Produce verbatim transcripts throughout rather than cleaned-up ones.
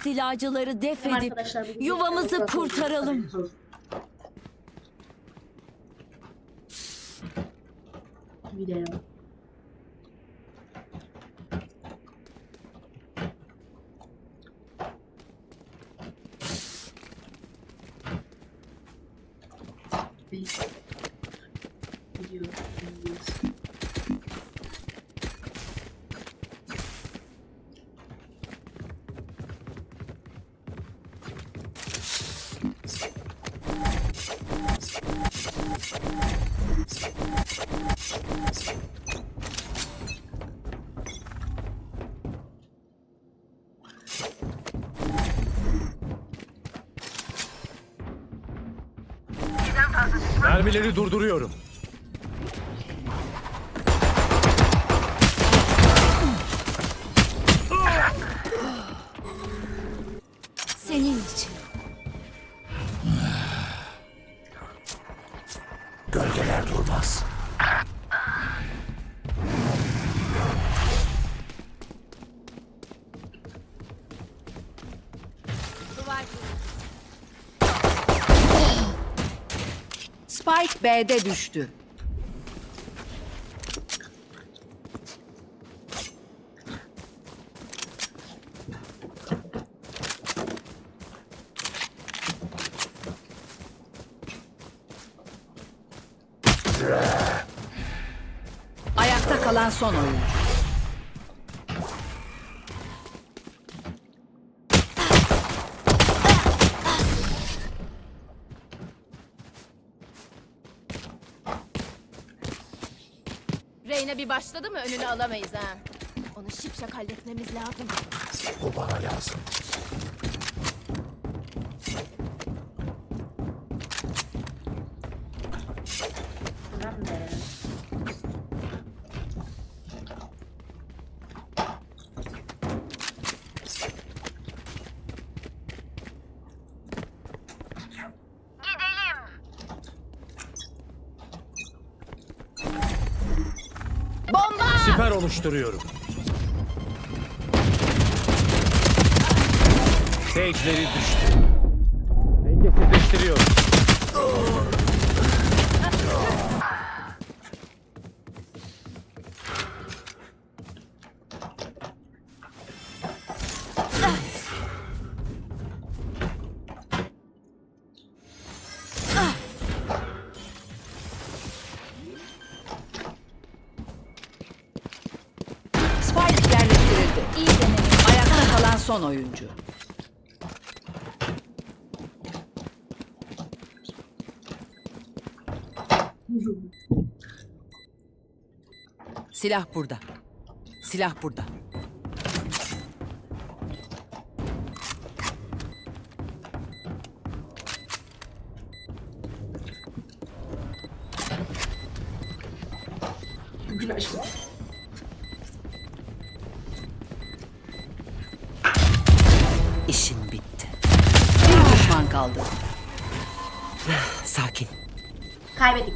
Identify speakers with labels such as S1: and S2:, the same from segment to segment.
S1: istilacıları def
S2: Tamam
S1: edip
S2: arkadaşlar, bu
S1: yuvamızı
S2: videoyu
S1: kurtaralım.
S2: Video. Video. Video.
S3: Mermileri durduruyorum.
S1: Senin için.
S3: Gölgeler durmaz.
S4: Spike B'de düştü. Ayakta kalan son oyuncu.
S5: Reyna bir başladı mı önünü alamayız ha. Onu şipşak halletmemiz lazım.
S3: Bu bana lazım.
S2: Tamam be.
S3: Siper oluşturuyorum. Sage'leri düştü. Dengesizleştiriyorum.
S4: Spike yerleştirildi. İyi deneme. Ayakta kalan son oyuncu. Silah burada. Silah burada.
S2: Bugün açtım.
S4: İşin bitti. Bir düşman kaldı. Sakin.
S2: Kaybettik.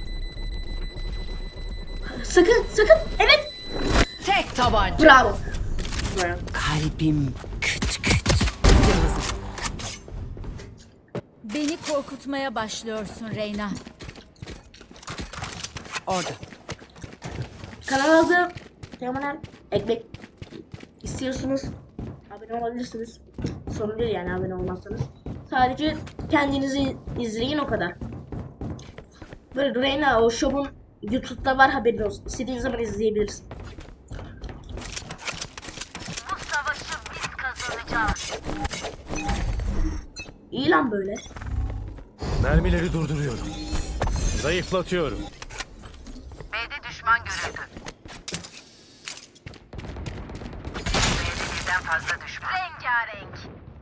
S2: Sakın sakın. Evet.
S4: Tek tabanca.
S2: Bravo. Bravo.
S4: Kalbim küt küt.
S1: Beni korkutmaya başlıyorsun Reyna.
S4: Orada.
S2: Kanalda tamamen ekmek istiyorsunuz. Abone olabilirsiniz. Sorun değil yani abone olmazsanız. Sadece kendinizi izleyin o kadar. Böyle Reyna o show'un YouTube'da var, haberin olsun. İstediğiniz zaman izleyebilirsin.
S6: Bu savaşı biz kazanacağız.
S2: İyi lan böyle.
S3: Mermileri durduruyorum. Zayıflatıyorum.
S6: B'de düşman görüldü. B'de birden fazla düşman. Rengarenk.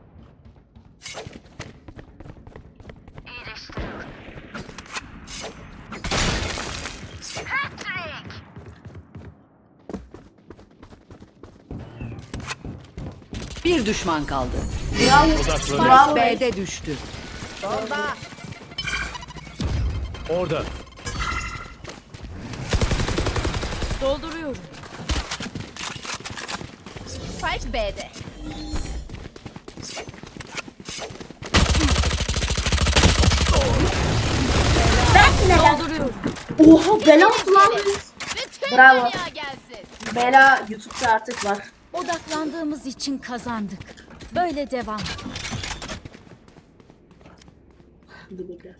S6: İyileştiriyorum. Patrick!
S4: Bir düşman kaldı.
S2: Bravo.
S3: Odaklanıyorum.
S2: Bravo.
S4: B'de düştü.
S3: Orada.
S1: Dolduruyorum.
S5: Spike B'de.
S2: Oha bela attı lan.
S5: Bütün
S2: Bravo.
S5: dünya gelsin.
S2: Bela YouTube'da artık var.
S1: Odaklandığımız için kazandık. Böyle devam.
S2: Dur bekle.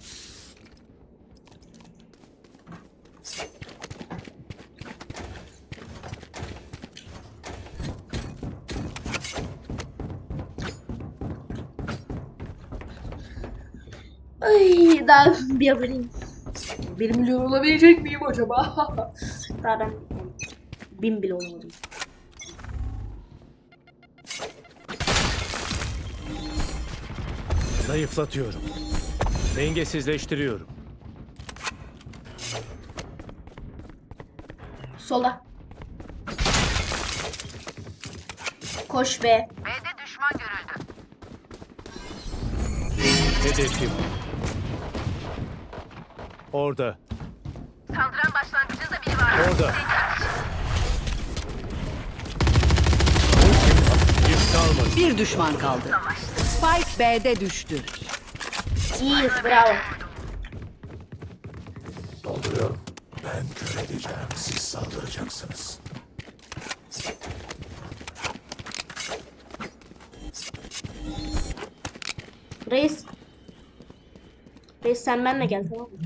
S2: Ay daha bir aboneyim. Bir milyon olabilecek miyim acaba? Daha ben bin bile olamadım.
S3: Zayıflatıyorum. Dengesizleştiriyorum.
S2: Sola. Koş be.
S6: B'de düşman görüldü.
S3: Hedefim. Orada.
S6: Saldıran başlangıcında biri var.
S3: Orada. Yük kalmadı.
S4: Bir düşman kaldı. Spike B'de düştü.
S2: İyiyiz bravo.
S7: Dolduruyorum. Ben kör edeceğim. Siz saldıracaksınız.
S2: Reis. Reis sen benimle gel tamam mı?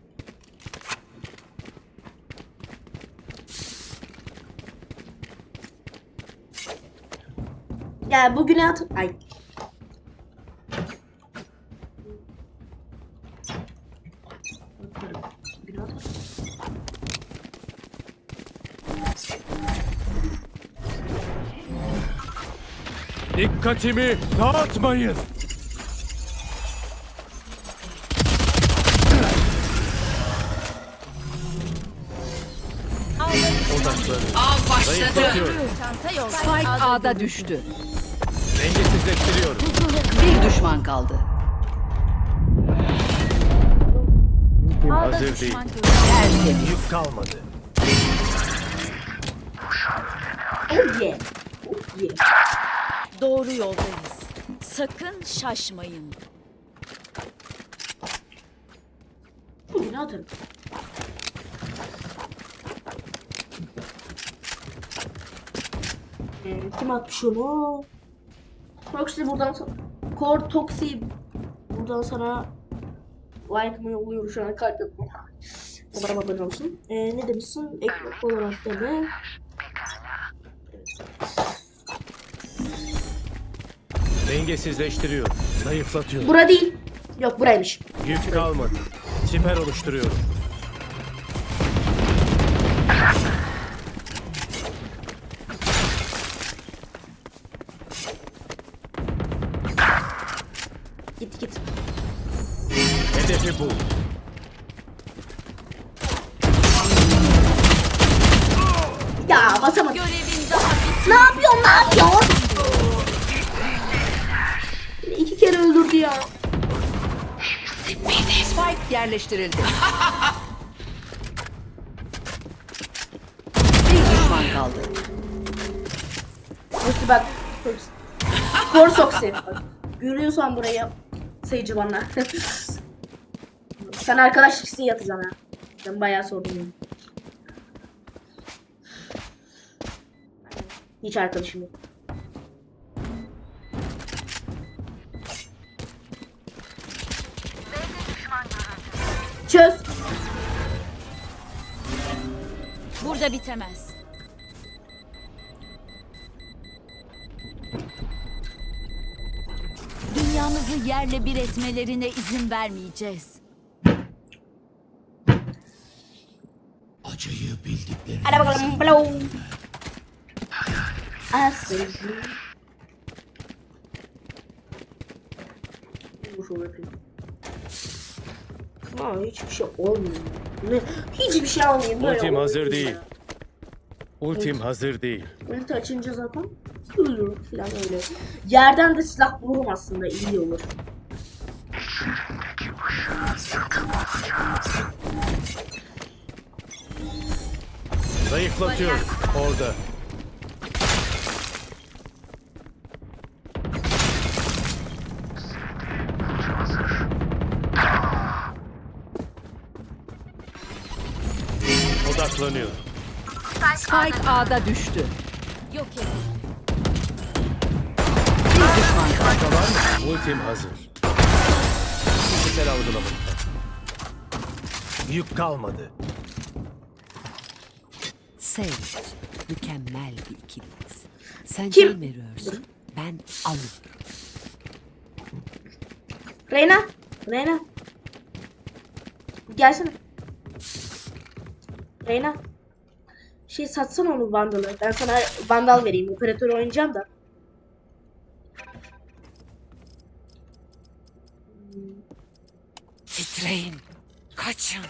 S2: Ya bugüne at... Ay. Bugüne at.
S3: Dikkatimi dağıtmayın. Odaklanın.
S4: Av başladı.
S3: Zayıflatıyorum.
S5: Çanta yolda.
S4: Spike A'da düştü.
S3: Dengesizleştiriyorum.
S4: Bir düşman kaldı.
S1: Ağda
S3: Hazır değil.
S1: düşman görüldü.
S4: Tertemiz.
S3: Yük kalmadı.
S2: Oh yeah. Oh yeah.
S1: Doğru yoldayız. Sakın şaşmayın.
S2: Bugüne atarım. Ee, kim atmış onu? Proxy buradan sana... Core Toxi buradan sana like'ımı yolluyorum şu an kalp yapma. Umarım abone olsun. Ee, ne demişsin? Ekmek olarak deme.
S3: Dengesizleştiriyorum. Zayıflatıyorum.
S2: Bura değil. Yok buraymış.
S3: Yük kalmadı. Siper oluşturuyorum.
S2: Git git.
S3: Hedefi bu.
S2: Ya basamadım.
S1: Görevin daha
S2: Ne yapıyorsun? Ne yapıyorsun? İki kere öldürdü ya.
S4: Spike yerleştirildi. Bir düşman kaldı.
S2: Nasıl bak. Skor soksi. Görüyorsan burayı sayıcı bana. Sen arkadaşlık isteği yatacaksın ha. Ben bayağı sordum ya. Hiç arkadaşım yok. Çöz.
S1: burada bitemez. Dünyamızı yerle bir etmelerine izin vermeyeceğiz.
S7: Acıyı bildiklerini
S2: Hadi bakalım. Blow. Asıl. Bu şöyle yapayım. Ama hiçbir şey olmuyor. Ne? Hiçbir şey olmuyor. Böyle
S3: Ultim hazır
S2: olmuyor
S3: değil.
S2: ya.
S3: Ultim hazır değil.
S2: Ulti açınca zaten ölürüm falan öyle. Yerden de silah bulurum aslında iyi olur.
S3: Zayıflatıyorum. Orada. Odaklanıyor.
S4: Spike A'da düştü.
S1: Yok edin.
S4: Bir düşman kaldı.
S3: Ultim hazır. Fiziksel algılama. Yük kalmadı.
S4: Sage, mükemmel bir ikiliyiz. Sen
S2: Kim?
S4: can veriyorsun, ben alıyorum.
S2: Reyna. Reyna. Gelsene. Reyna. Şey satsana onu Vandal'ı. Ben sana Vandal vereyim. Operatör oynayacağım da.
S4: Titreyin, kaçın.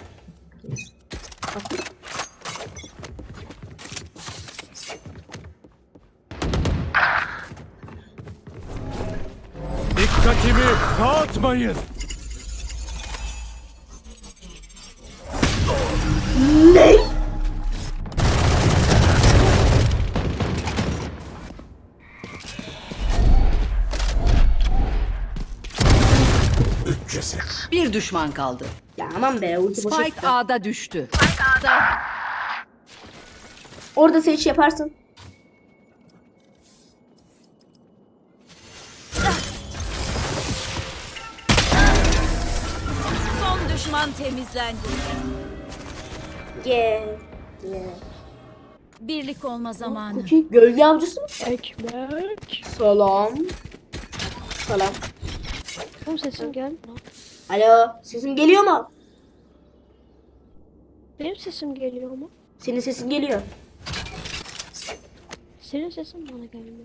S3: Dikkatimi dağıtmayın.
S2: Ne?
S7: Üç ceset.
S4: Bir düşman kaldı.
S2: Ya aman be ulti boşa
S4: Spike
S2: gitti.
S4: A'da düştü.
S2: Orada seç yaparsın.
S1: Son düşman temizlendi.
S2: Yeah. Yeah.
S1: Birlik olma zamanı.
S2: Cookie gölge avcısı mı?
S8: Ekmek.
S2: Selam. Selam.
S8: Oğlum sesin gel.
S2: Alo, sesim geliyor mu?
S8: Benim sesim geliyor mu?
S2: Senin sesin geliyor.
S8: Senin sesin bana gelmiyor.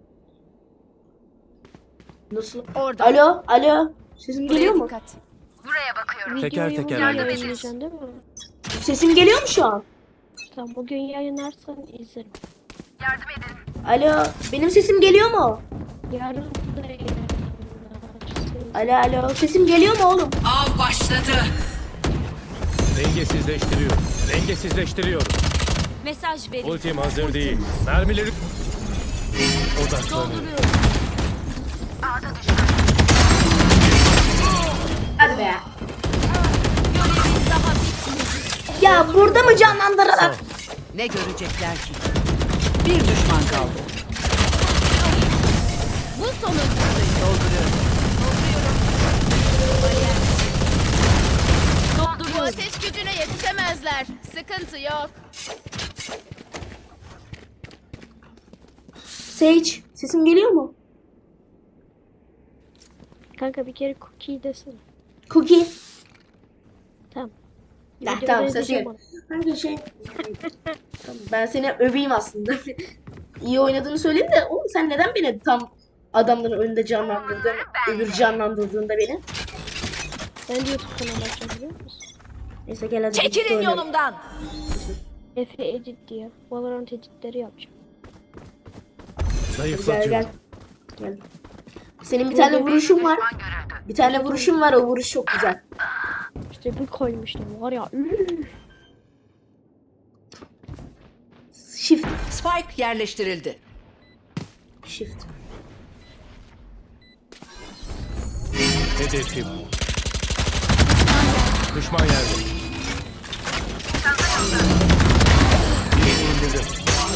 S2: Nasıl?
S1: Orada.
S2: Alo, alo. Sesim geliyor mu?
S1: Dikkat.
S6: Buraya bakıyorum.
S3: Teker
S8: Videoyu
S3: teker
S8: bugün
S3: halledeceğiz.
S8: yayınlayacaksın değil mi?
S2: Sesim geliyor mu şu an?
S8: Tamam bugün yayınlarsan izlerim.
S6: Yardım edin.
S2: Alo, benim sesim geliyor mu?
S8: Yarın da yayınlarsın.
S2: Alo, alo. Sesim geliyor mu oğlum?
S4: Av başladı.
S3: Dengesizleştiriyorum. Dengesizleştiriyorum.
S1: Mesaj verin.
S3: Ultim hazır değil. Mermileri... Odaklanıyor.
S1: Dolduruyorum.
S2: Hadi be.
S1: Görevin daha bitmedi.
S2: Ya burada mı canlandırarak?
S4: Ne görecekler ki? Bir düşman kaldı.
S1: Bu sonuncusu.
S4: Dolduruyorum.
S5: Bu
S1: Dolduruyorum.
S5: ateş gücüne yetişemezler. Sıkıntı yok.
S2: Sage, sesim geliyor mu?
S8: Kanka bir kere cookie desene.
S2: Cookie.
S8: Tamam.
S2: Ya,
S8: Videoda
S2: tamam, sesim
S8: izleyeceğim
S2: geliyor. Kanka şey... Tamam, ben seni öveyim aslında. İyi oynadığını söyleyeyim de oğlum sen neden beni tam adamların önünde canlandırdın, öbür canlandırdığında beni?
S8: Ben de YouTube kanalı açacağım biliyor musun?
S2: Neyse gel hadi. birlikte
S4: Çekilin
S2: oynayalım.
S4: yolumdan.
S8: Efe Edit diye. Valorant editleri yapacağım.
S2: Gel
S3: Zayıflatıyorum.
S2: gel. Gel. Senin bir tane vuruşun var.
S6: Düşman görüldü.
S2: Bir tane vuruşun var, o vuruş çok güzel.
S8: İşte bir koymuştum var ya. üf.
S2: Shift.
S4: Spike yerleştirildi.
S2: Shift.
S3: Hedefim. Düşman yerde. Birini indirdim.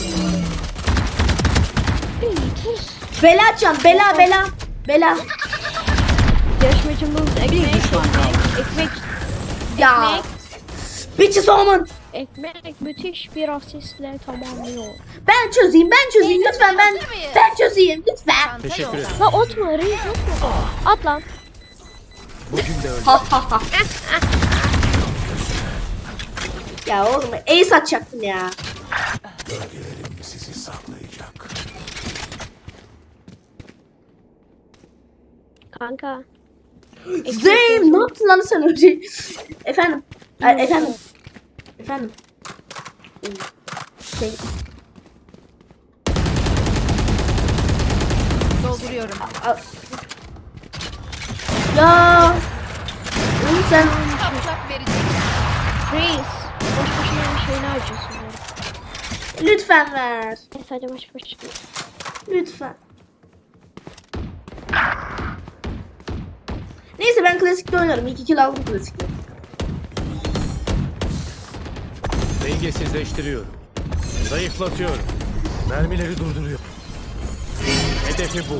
S2: Bela açacağım. Bela bela. Bela.
S8: Yarışmacımız
S4: Bir
S8: ekmek,
S4: düşman kaldı.
S8: ekmek,
S2: Ya. Bitches Omen.
S8: ekmek müthiş bir asistle tamamlıyor.
S2: Ben çözeyim, ben çözeyim lütfen ben.
S5: hazır mıyız?
S2: Ben çözeyim lütfen.
S5: Çanta
S3: Teşekkür
S5: yolda.
S3: ederim.
S8: La atma reis yok mu? At lan.
S3: Bugün de öyle.
S2: Ha ha ha. Ya oğlum ace atacaktım ya.
S7: Bölgelerim sizi saklayacak.
S8: Kanka.
S2: Zeyn ne yaptın lan sen öyle? Efendim. Ay, efendim. Efendim. Şey,
S5: Dolduruyorum.
S2: a- ya. Oğlum sen
S5: Patlak verecek.
S8: Reis. Boş boşuna bir şeyini harcıyorsun böyle.
S2: lütfen ver.
S8: Neyse hadi boş boş.
S2: Lütfen. Neyse ben klasikte oynarım. İki kill aldım klasikte.
S3: Dengesizleştiriyorum. Zayıflatıyorum. Mermileri durduruyor. Hedefi bu.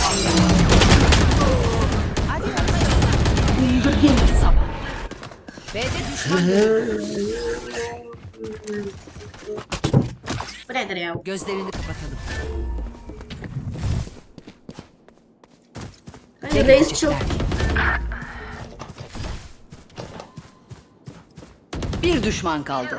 S4: B'de düşman görüldü.
S2: Bu nedir ya?
S4: Gözlerini kapatalım.
S2: Hani reis çok...
S4: Bir düşman kaldı.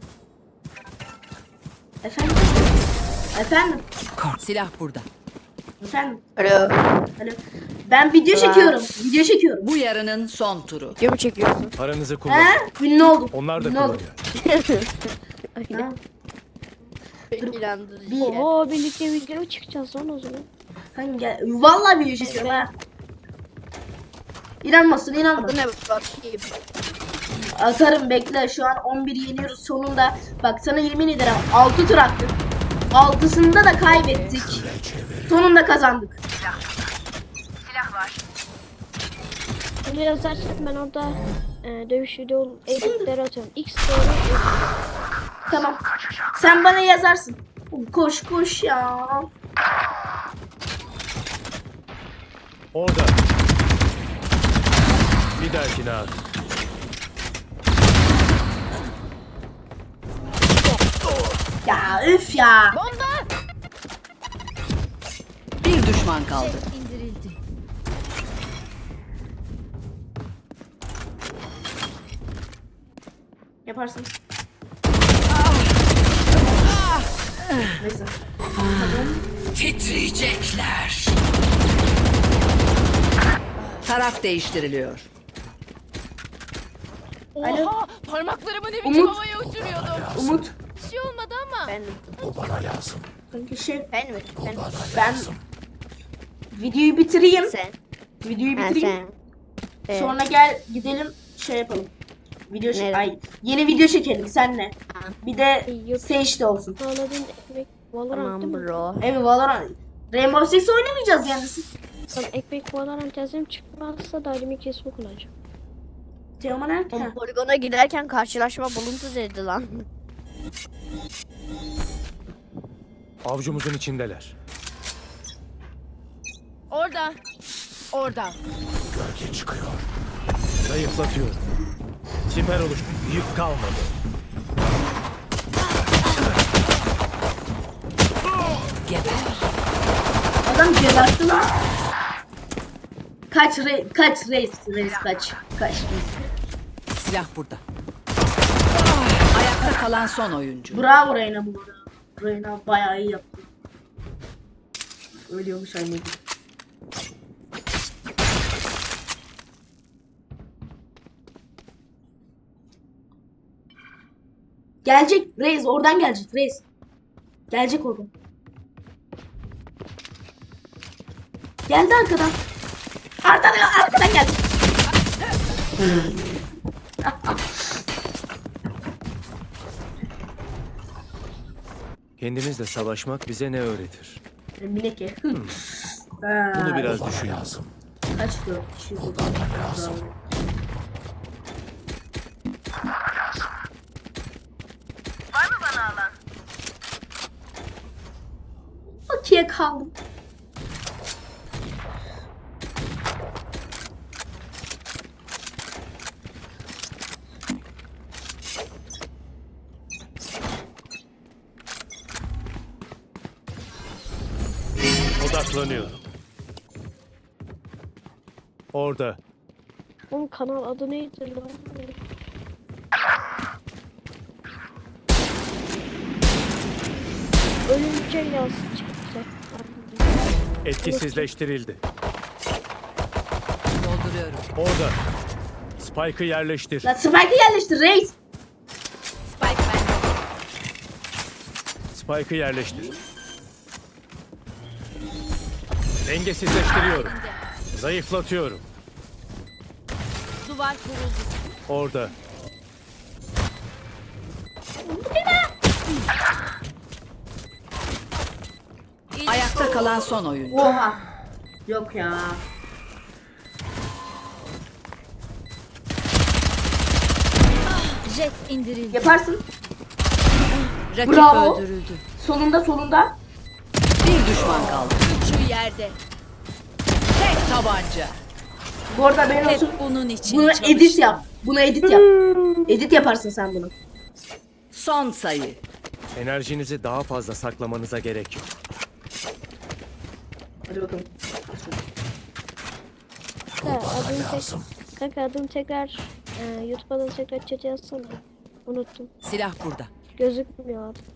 S2: Efendim? Efendim?
S4: Silah burada.
S2: Efendim?
S8: Alo.
S2: Alo. Ben video çekiyorum. Video çekiyorum.
S4: Bu yarının son turu.
S8: Video mu çekiyorsun?
S3: Paranızı kullanın.
S2: He? Ünlü oldum.
S3: Onlar da
S2: Ünlü oldum.
S3: kullanıyor.
S2: Ha?
S8: İnandırıcı.
S2: Bir-
S8: Oho birlikte video çıkacağız lan o zaman.
S2: Hani gel. Vallahi video çekiyorum ha. İnanmasın inanma.
S8: Bu ne bakayım.
S2: Atarım bekle. Şu an on bir yeniyoruz sonunda. Bak sana yemin ederim altı tur attık. altısında da kaybettik. Sonunda kazandık.
S6: Silah var.
S8: Bunu yazarsan ben orada e, dövüş video editleri atıyorum. X doğru.
S2: Tamam. Sen bana yazarsın. Koş koş ya.
S3: Orada. Bir dahakine at.
S2: Ya üf ya.
S4: Bir düşman kaldı.
S1: İndirildi.
S2: Yaparsın. Neyse.
S4: Titriyecekler. Taraf değiştiriliyor.
S5: Oha! Parmaklarımı ne biçim
S2: Umut.
S5: havaya uçuruyordum.
S2: Umut.
S5: Bir şey olmadı ama.
S8: Ben
S7: Bu bana lazım.
S2: Kanka şey
S8: ben mi? Sen.
S2: ben videoyu bitireyim.
S8: Sen.
S2: Videoyu
S8: Ha,
S2: bitireyim.
S8: sen. Evet.
S2: Sonra gel gidelim şey yapalım. Video çek-
S8: Nereye?
S2: ay yeni video çekelim senle.
S8: Ha.
S2: Bir de
S8: Yok.
S2: Sage de olsun.
S8: Anladın ekmek Valorant değil mi?
S4: bro.
S2: Evet Valorant. Rainbow Six oynamayacağız yani.
S8: Lan ekmek Valorant yazayım çıkmazsa da elimi kesme kullanacağım.
S2: Teoman nerede? Ha.
S9: Poligona giderken karşılaşma buluntu dedi lan.
S3: Avcumuzun içindeler.
S5: Orada. Orada.
S7: Gölge çıkıyor.
S3: Zayıflatıyorum. Siper oluş. Yük kalmadı.
S4: Geber.
S2: Adam gebertti lan. Kaç re kaç reis reis kaç kaç.
S4: Silah burada. Ayakta kalan son oyuncu.
S2: Bravo Reyna bu arada. Reyna bayağı iyi yaptı. Ölüyormuş aynı gibi. Gelecek reis oradan gelecek reis. Gelecek oradan. Geldi arkadan. Arkadan arkadan geldi.
S3: Kendimizle savaşmak bize ne öğretir?
S2: Mineke.
S3: Bunu biraz düşün.
S7: Lazım.
S2: Kaç dört kişi bu?
S6: Var mı bana alan?
S2: Bakiye kaldım.
S3: Odaklanıyorum. Orada.
S8: Oğlum kanal adı neydi lan? Ölünce yaz çıktı.
S3: Etkisizleştirildi.
S4: Dolduruyorum.
S3: Orada. Spike'ı yerleştir.
S2: Lan Spike'ı yerleştir reis.
S5: Spike bende.
S3: Spike'ı yerleştir. Dengesizleştiriyorum. Zayıflatıyorum.
S5: Duvar kuruldu.
S3: Orada.
S4: Ayakta kalan son oyuncu.
S2: Oha. Yok ya.
S1: Jet indirildi.
S2: Yaparsın.
S4: Rakip
S2: Bravo.
S4: öldürüldü.
S2: Sonunda sonunda.
S4: Bir düşman kaldı.
S1: Şu yerde.
S4: Tek tabanca.
S2: Bu arada benim
S1: Hep
S2: olsun.
S1: bunun için
S2: Bunu
S1: çalıştım.
S2: edit yap. Bunu edit yap. Edit yaparsın sen bunu.
S4: Son sayı.
S3: Enerjinizi daha fazla saklamanıza gerek yok.
S2: Hadi bakalım.
S8: Kanka adını, tek,
S7: Lazım.
S8: kanka adını tekrar e, YouTube adını tekrar chat'e yazsana. Unuttum.
S4: Silah burada.
S8: Gözükmüyor adı.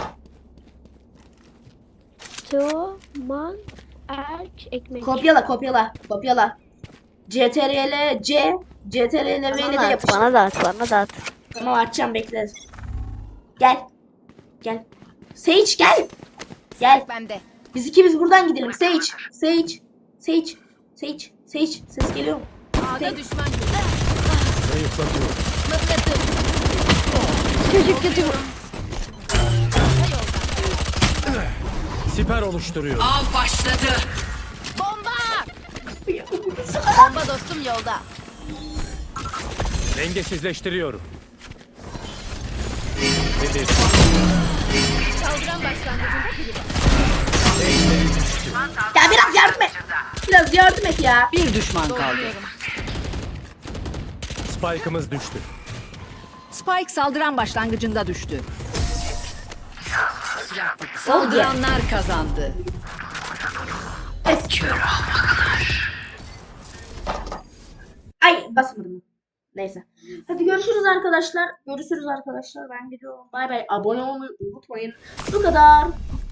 S8: Teoman Erç Ekmek.
S2: Kopyala kopyala kopyala. C T R L C C T R L V ile de
S9: Bana da at,
S2: yapıştır.
S9: bana da at, bana da at.
S2: Tamam açacağım bekle. Gel. Gel. Sage gel. Gel.
S5: Bende.
S2: Biz ikimiz buradan gidelim. Sage. Sage. Sage. Sage. Sage. Ses geliyor mu?
S5: A'da düşman görüldü.
S3: Zayıflatıyorum.
S5: Mıknatıs.
S8: Çocuk kötü.
S3: Siper oluşturuyorum.
S4: Av başladı.
S5: Bomba! Bomba dostum yolda.
S3: Dengesizleştiriyorum. Nedir?
S5: Saldıran başlangıcında biri var.
S2: Ya biraz yardım et. Biraz yardım et ya.
S4: Bir düşman kaldı.
S5: Dolduruyorum.
S3: Spike'ımız düştü.
S4: Spike saldıran başlangıcında düştü. Saldıranlar kazandı.
S2: Ay basmadım. Neyse. Hadi görüşürüz arkadaşlar. Görüşürüz arkadaşlar. Ben gidiyorum. Bay bay. Abone olmayı unutmayın. Bu kadar.